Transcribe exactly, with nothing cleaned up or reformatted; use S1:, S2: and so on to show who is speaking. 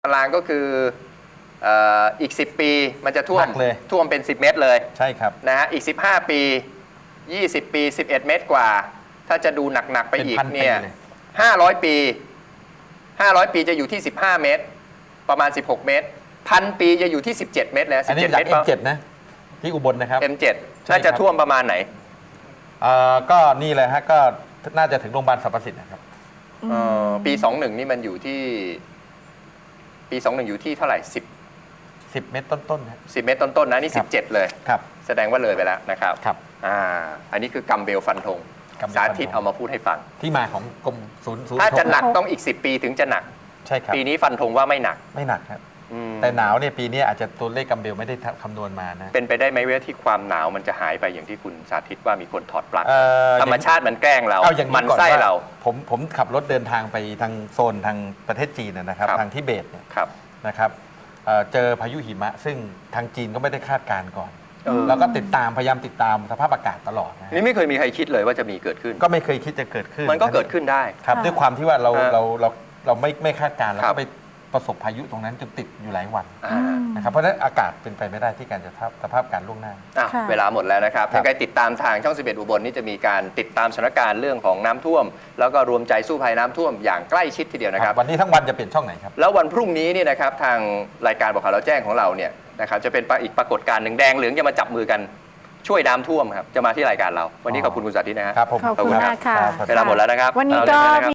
S1: ตารางก็คือเอ่ออีกสิบปีมันจะท่ว
S2: ห
S1: ม
S2: นักเลย
S1: ท่วมเป็นสิบเมตรเลย
S2: ใช่ครับ
S1: นะฮะอีกสิบห้าปียี่สิบปีสิบเอ็ดเมตรกว่า ถ้าจะดูหนักๆไปอีก
S2: เป็นพันปี
S1: เนี่ย
S2: เลย
S1: ห้าร้อยปีห้าร้อยปีจะอยู่ที่สิบห้าเมตร ประมาณสิบหกเมตรพันปีจะอยู่ที่สิบเจ็ดเมตรแล้ว
S2: อั
S1: สิ
S2: น
S1: บ
S2: นี้
S1: เจ็ด
S2: จาก
S1: เมตร
S2: เอ็มเจ็ดนะที่อุบลนะครับ
S1: เอ็มเจ็ด
S2: ใช่
S1: น่าจะ
S2: ครับ
S1: ท่วมประมาณไหน
S2: เอ่อก็นี่เลยฮะก็น่าจะถึงโรงพยาบาลสรรพสิทธิ์นะครับ
S1: เอ่อปีสองหนึ่งนี่มันอยู่ที่ ปีสองหนึ่งอยู่ที่เท่าไหร่สิบ
S2: สิบเมตรต้นๆนะ
S1: สิบเมตรต้นๆนะนี่
S2: ครั
S1: สิ
S2: บบ
S1: เจ็ดเลย
S2: ครับ
S1: แสดงว่าเลยไปแล้วนะครับ
S2: ครับ
S1: อ่าอันนี้คือกัมเบลฟันธง
S2: กัมเบล
S1: สา
S2: ฟันธง
S1: ธิตเอามาพูดให้ฟัง
S2: ที่มาของกรมศูนย์ศูนย์
S1: ถ้าจะหนัก
S2: ทง
S1: ต้องอีกสิบปีถึงจะหนัก
S2: ใช่ครับ
S1: ปีนี้ฟันธงว่าไม่หนัก
S2: ไม่หนักครับ
S1: อืม
S2: แต่หนาวเนี่ยปีนี้อาจจะตัวเลขกัมเบลไม่ได้คำนวณมานะ
S1: เป็นไปได้ไหมว่าที่ความหนาวมันจะหายไปอย่างที่คุณสาธิตว่ามีคนถอดปลั๊ก
S2: เอ่อ
S1: ธรรมชาติมันแกล้งเรา
S2: เอาอย่าง
S1: มั
S2: นี้ก่อน
S1: ไส้
S2: ว่า
S1: เรา
S2: ผมผมขับรถเดินทางไปทางโซนทางประเทศจีนนะนะครับ
S1: ครับ
S2: ทางทิเบตเนี่ย
S1: ครับ
S2: นะครับเอ่อเจอพายุหิมะ ซึ่งทางจีนก็ไม่ได้คาดการณ์ก่อน
S1: เออ
S2: แล้วก็ติดตามพยายามติดตามสภาพอากาศตลอดนะฮะ
S1: นี่ไม่เคยมีใครคิดเลยว่าจะมีเกิดขึ้น
S2: ก็ไม่เคยคิดจะเกิดขึ้น
S1: มันก็เกิดขึ้นได้
S2: ครับ
S3: ค่ะ
S2: ด้วยความที่ว่าเรา
S1: ฮะ
S2: เราเราเราไม่ไม่คาดการณ์แล้ว
S1: ครั
S2: ก็
S1: บ
S2: ไปประสบพายุตรงนั้นจนติดอยู่หลายวัน
S1: อ่า
S2: นะครับเพราะฉะนั้นอากาศเป็นไปไม่ได้ที่การจะทับสภาพการล่วงหน้า
S1: อ่ะ
S3: ค่ะ
S1: เวลาหมดแล้วนะครับ
S2: ครับ
S1: ยังไงติดตามทางช่องสิบเอ็ดอุบลนี่จะมีการติดตามสถานการณ์เรื่องของน้ำท่วม แล้วก็รวมใจสู้ภัยน้ำท่วมอย่างใกล้ชิดทีเดียวนะครับ
S2: วันนี้ทั้งวันจะเปลี่ยนช่องไหนครับ
S1: แล้ววันพรุ่งนี้นี่นะครับทางรายการบอกข่าวเราแจ้งของเราเนี่ยนะครับจะเป็นอีกปรากฏการณ์หนึ่งแดงเหลืองจะมาจับมือกันช่วยน้ำท่วมครับจะมาที่รายการเรา วันนี้ขอบคุณคุณสาธิตนะฮะ
S2: ครับผม
S3: ขอบคุณ
S1: ขอบคุณครับ
S3: มากค่ะ
S2: ครับ
S1: เวลาหมดแล้วนะครับ
S3: วันนี้
S1: เอาเลย
S3: ก็
S1: นะครับ